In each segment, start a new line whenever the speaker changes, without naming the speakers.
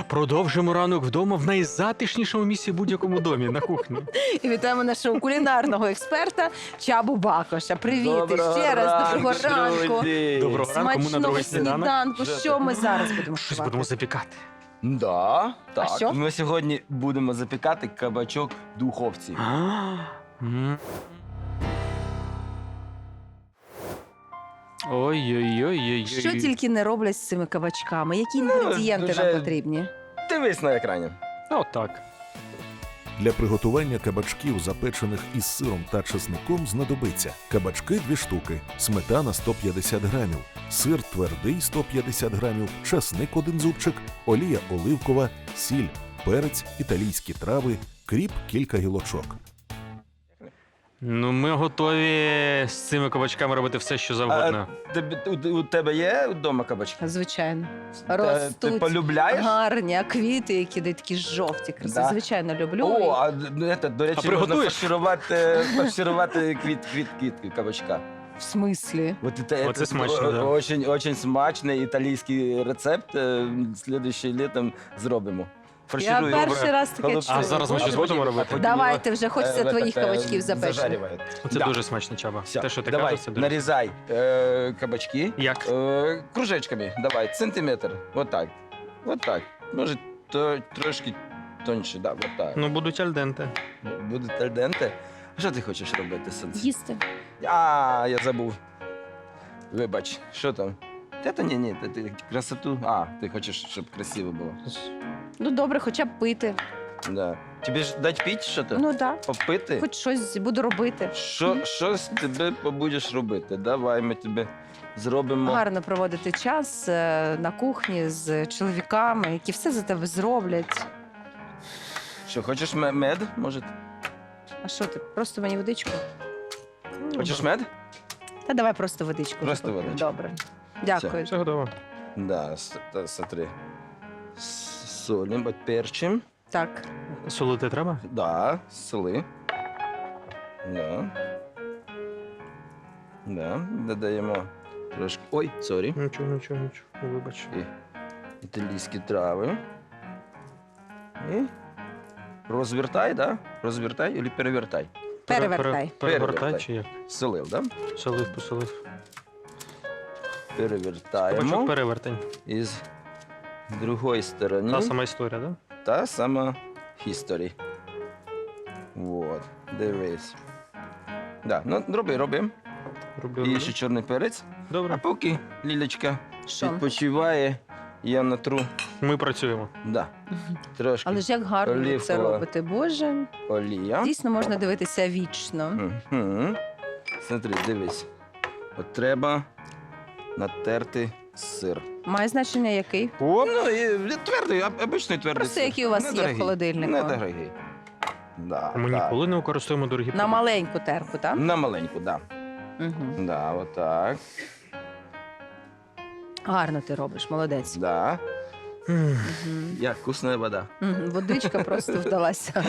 Продовжимо ранок вдома в найзатишнішому місці в будь-якому домі, на кухні.
І вітаємо нашого кулінарного експерта Чабу Бакоша. Привіт ще раз, доброго ранку.
Доброго ранку, ми на
Смачного
другий сніданок.
сніданку. Що ми зараз будемо
Щось
готувати?
будемо запікати.
Да, так.
що?
Ми сьогодні будемо запікати кабачок в духовці.
Ой-ой-ой-ой.
Що тільки не роблять з цими кабачками? Які інгредієнти
дуже-
нам потрібні?
Дивись на екрані.
Отак.
Для приготування кабачків, запечених із сиром та чесником, знадобиться кабачки 2 штуки, сметана 150 грамів, сир твердий 150 грамів, часник 1 зубчик, олія оливкова, сіль, перець, італійські трави, кріп кілька гілочок.
Ну, ми готові з цими кабачками робити все, що завгодно.
У тебе є вдома кабачки?
Звичайно.
Ти
Ростуть
полюбляєш?
гарні, а квіти, які дають такі жовті, красиві.
Да.
Звичайно, люблю.
О, до речі, можна
приготуєш?
фарширувати квітки кабачка.
В смислі?
Оце смачно, да.
Очень смачний італійський рецепт. Слідуючим літом зробимо.
Я
Фарширую.
перший раз таке
Голубці.
чую.
А зараз ми щось будемо робити?
Давайте вже, хочеться твоїх кабачків запечених.
Зажарювати.
Це
Да.
дуже смачно, Чаба.
Все,
Те, що ти
давай,
кажеш, це дуже...
нарізай кабачки
Як?
кружечками. Давай, сантиметр. Вот так. Вот так. Може, трошки тоньше, да, вот так.
Ну, будуть альденте.
Буде тальденте. Що ти хочеш робити, Сонце?
Їсти.
А, я забув. Вибач, що там? Ні, ти красоту. А, ти хочеш, щоб красиво було.
Ну добре, хоча б пити.
Да. Тобі ж дать піти що то?
Ну так,
Попити?
хоч щось буду робити.
Щось тебе побудеш робити. Давай ми тебе зробимо.
Гарно проводити час на кухні з чоловіками, які все за тебе зроблять.
Що, хочеш мед? Може?
А що ти? Просто мені водичку?
Хочеш мед?
Та давай просто водичку.
Просто
поп'ю.
водичку.
Добре. Дякую.
Все готово.
Да, смотри. Солим, перчим.
Так.
Солити треба?
Да, соли. Да. Да, додаємо трошки. Ой, сорі.
Нічого, вибач.
І італійські трави. І розвертай, да? Розвертай або перевертай.
Перевертай.
Перевертай чи як?
Солив, да?
Солив, посолив.
Перевертаємо.
Кабачок перевертень.
І з другої сторони.
Та сама історія, так?
Та сама history. Вот, дивись. Да, ну роби.
Роблю.
І ще чорний перець. А
Добре.
поки Лілечка
Що?
відпочиває, я натру.
Ми працюємо.
Да. Трошки
Але ж як гарно ви це
Олівкова.
робите, Боже.
олія.
Дійсно можна дивитися вічно.
Угу. Смотри, дивись. От треба натерти сир.
Має значення який?
О, ну, і твердий, обичний твердий
Просто
сир.
який у вас є в
Недорогий.
холодильнику.
Недорогий. Да,
Ми
так.
ніколи не використовуємо дорогі
На маленьку терку, так?
На маленьку, да.
Угу.
Да, отак.
Гарно ти робиш, молодець.
Да.
Мгм.
Мгм.
Як вкусна вода.
Мгм. Водичка просто вдалася.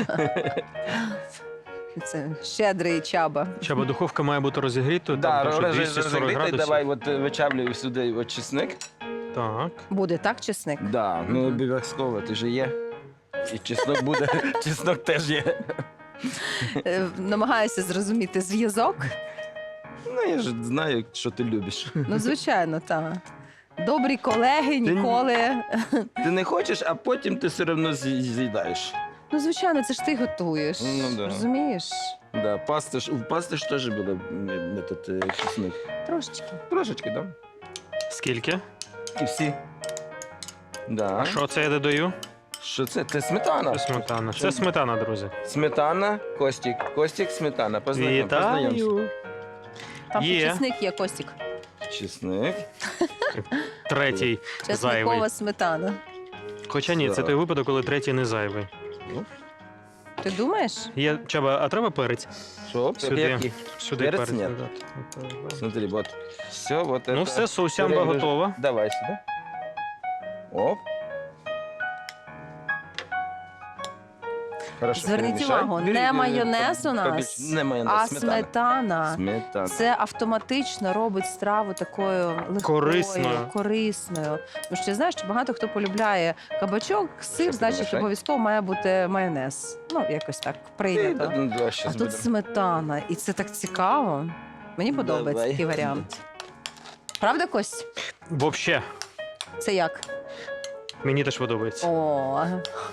Це щедрий Чаба.
Чаба, духовка має бути розігрітою,
Да,
там, що 240
розігріти,
градусів.
давай от вичавлюю сюди от чесник.
Так.
Буде так, чесник?
Да, ну обов'язково, ти же є. І чеснок буде, чеснок теж є.
Намагаюся зрозуміти зв'язок.
Ну, я ж знаю, що ти любиш.
Ну, звичайно, так. Добрі колеги ніколи.
Ти не хочеш, а потім ти все одно з'їдаєш.
Ну, звичайно, це ж ти готуєш.
Ну, да.
Розумієш?
Да, у пасти ж теж буде чесник.
Трошечки.
Трошечки, да?
Скільки?
І всі. Да.
А що це я додаю?
Що це? Це сметана.
Сметана. Це сметана, друзі.
Сметана, Костік. Костік, сметана. Познайомся.
Вітаю.
Там
Є.
чесник є, Костік.
Чесник.
Третій зайвий.
Чесникова сметана.
Хоча ні, це
Так.
той випадок, коли третій не зайвий.
Ти думаєш?
Є, Чаба, а треба перець?
Що?
Сюди.
Який?
Сюди
Перець
перець
ні.
додати. Отак.
Смотри, вот. Все, вот
Ну
это.
все, соусямба готова.
Давай сюда. Оп. Хорошо,
Зверніть
перемішай.
увагу,
Бери,
не майонез у нас,
Не майонез,
а
сметана.
сметана.
Сметана.
Це автоматично робить страву такою легкою,
Корисною.
корисною. Тому що знаєш, що багато хто полюбляє кабачок, сир,
Що,
значить
перемішай?
обов'язково має бути майонез. Ну, якось так прийнято. А
Щас
тут сметана, і це так цікаво. Мені подобається
Давай.
такий варіант. Правда, Кость?
Вообще,
Це як?
мені теж подобається.
О,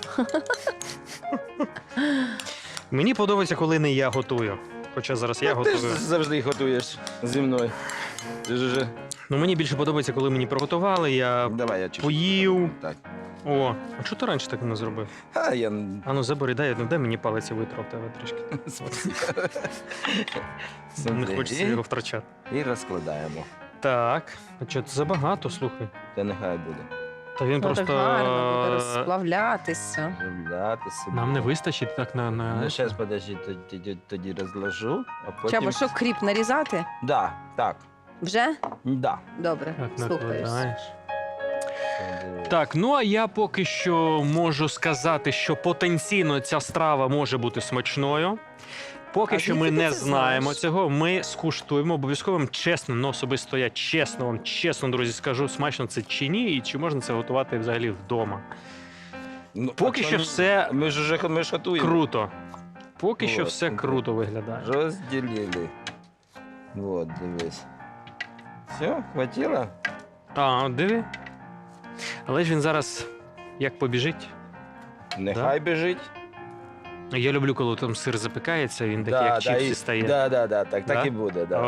Мені подобається, коли не я готую. Хоча зараз я
Ти ж
готую.
завжди готуєш зі мною. Ти ж уже...
Ну мені більше подобається, коли мені приготували, я
Давай, я чуть.
поїв.
Так.
О, а чого ти раніше так не зробив?
А, я...
А ну забери, дай мені палець і витрав тебе трішки. Не
Смотри.
хочеться його втрачати.
І розкладаємо.
Так, а що це забагато, слухай.
Та нехай буде.
Та він
ну
просто
так гарно буде розплавлятися.
Розробляти собі.
нам не вистачить так на.
Ну, зараз, подожди, тоді розложу, а потім...
Чабо, що кріп нарізати?
Да, так,
Вже?
да.
Добре,
Так,
слухаюсь.
накладаєш. Так, ну а я поки що можу сказати, що потенційно ця страва може бути смачною. Поки
А
що
звідки
ми
ти
не
це
знаємо
знаєш?
цього. Ми скуштуємо обов'язково вам чесно, ну особисто я чесно вам, чесно, друзі, скажу, смачно це чи ні, і чи можна це готувати взагалі вдома.
Ну,
Поки
а
що
то
все
Ми ж уже готуємо.
круто. Поки що
Вот.
все круто виглядає.
Розділили. Вот, дивись. Все, хватило?
А, диви. Але ж він зараз як побіжить.
Нехай біжить.
Я люблю, коли там сир запікається, він такий, як чіпсі стає.
Да, так
Да?
і буде, да.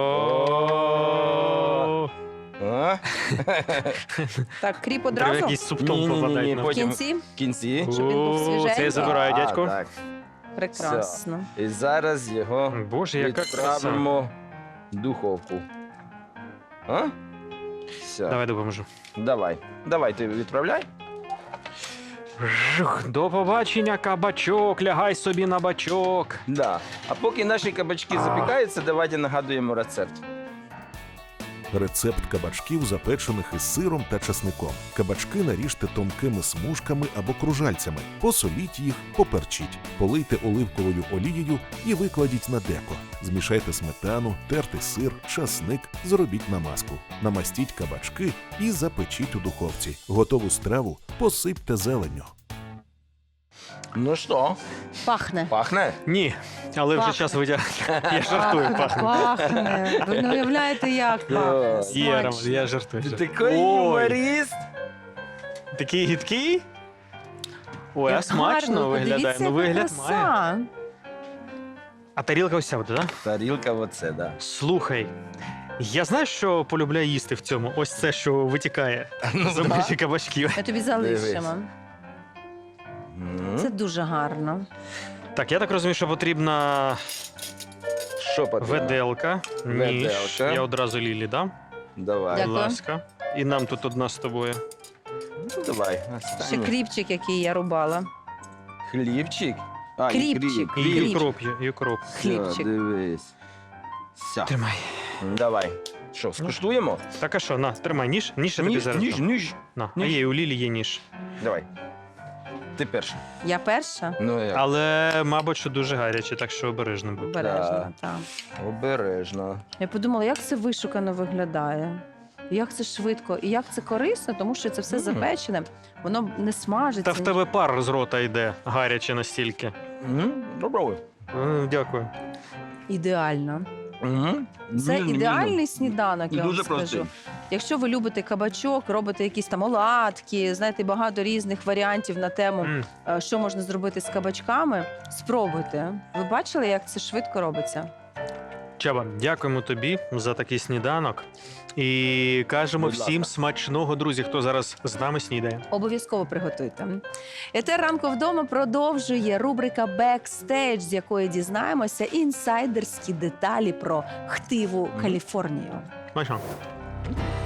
О,
А?
Так, кріп
Треба
одразу?
якийсь субтон
Ні-ні-ні,
попадає.
В
потім-
кінці?
В кінці.
Щоб він був
О,
свіженький.
Це я забираю, дядько.
Так.
Прекрасно.
І зараз його
Боже, яка краса.
відправимо в духовку. А? Все.
Давай допоможу.
Давай, ти відправляй.
Жух, до побачення, кабачок, лягай собі на бачок.
Да. А поки наші кабачки запікаються, давайте нагадуємо рецепт.
Рецепт кабачків, запечених із сиром та часником. Кабачки наріжте тонкими смужками або кружальцями, посоліть їх, поперчіть, полийте оливковою олією і викладіть на деко. Змішайте сметану, тертий сир, часник, зробіть намазку. Намастіть кабачки і запечіть у духовці. Готову страву посипте зеленню.
Ну що,
Пахне.
пахне?
Ні, але вже
Пахне.
час витягнути. Я жартую, пахне.
Пахне. Ви не уявляєте, як пахне.
Є, Роман,
Смачно.
я жартую.
Ти
жартую.
такий
Ой,
юморист.
такий гидкий? Ой, а
Як
смачно
гарно,
виглядає.
подивіться,
Ну,
яка
вигляд
краса.
має. А тарілка ось ця буде, так?
Тарілка оце, да.
Слухай, я знаю, що полюбляю їсти в цьому. Ось це, що витікає
Ну,
з межі кабачків.
Ми тобі залишимо.
М.
Це дуже гарно.
Так, я так розумію, що потрібна
Що потрібно?
веделка, ніж.
Веделка.
Я одразу Лілі дам.
Давай.
Будь
Дякую.
ласка. І нам тут одна з тобою.
Ну, давай.
Ще
останнє.
кріпчик, який я рубала.
Хлібчик. А,
Кріпчик.
І
Хліб.
юкроп, юкроп.
Хлібчик.
Дивись. Все.
Тримай.
Давай. Що, скуштуємо?
Так, а що, на, тримай ніж. Ніж я тобі зараз.
ніж,
дам.
ніж.
На. А
ніж.
є, у Лілі є ніж.
Давай. Ти перший.
Я перша?
Ну як?
Але, мабуть, що дуже гаряче, так що обережно будь.
Обережно, так.
Обережно.
Я подумала, як це вишукано виглядає. Як це швидко і як це корисно, тому що це все
Мгм.
запечене, воно не смажиться.
Та в тебе пар з рота йде гаряче настільки.
Попробуй.
Дякую.
Ідеально. Це ідеальний сніданок,
І
я вам
дуже
скажу.
простий.
Якщо ви любите кабачок, робите якісь там оладки, знаєте, багато різних варіантів на тему,
М.
що можна зробити з кабачками, спробуйте. Ви бачили, як це швидко робиться?
Чаба, дякуємо тобі за такий сніданок. І кажемо
Будь
всім
ласка.
смачного, друзі, хто зараз з нами снідає.
Обов'язково приготуйте. Етер ранку вдома продовжує рубрика «Бекстейдж», з якої дізнаємося інсайдерські деталі про хтиву Каліфорнію.
Смачно.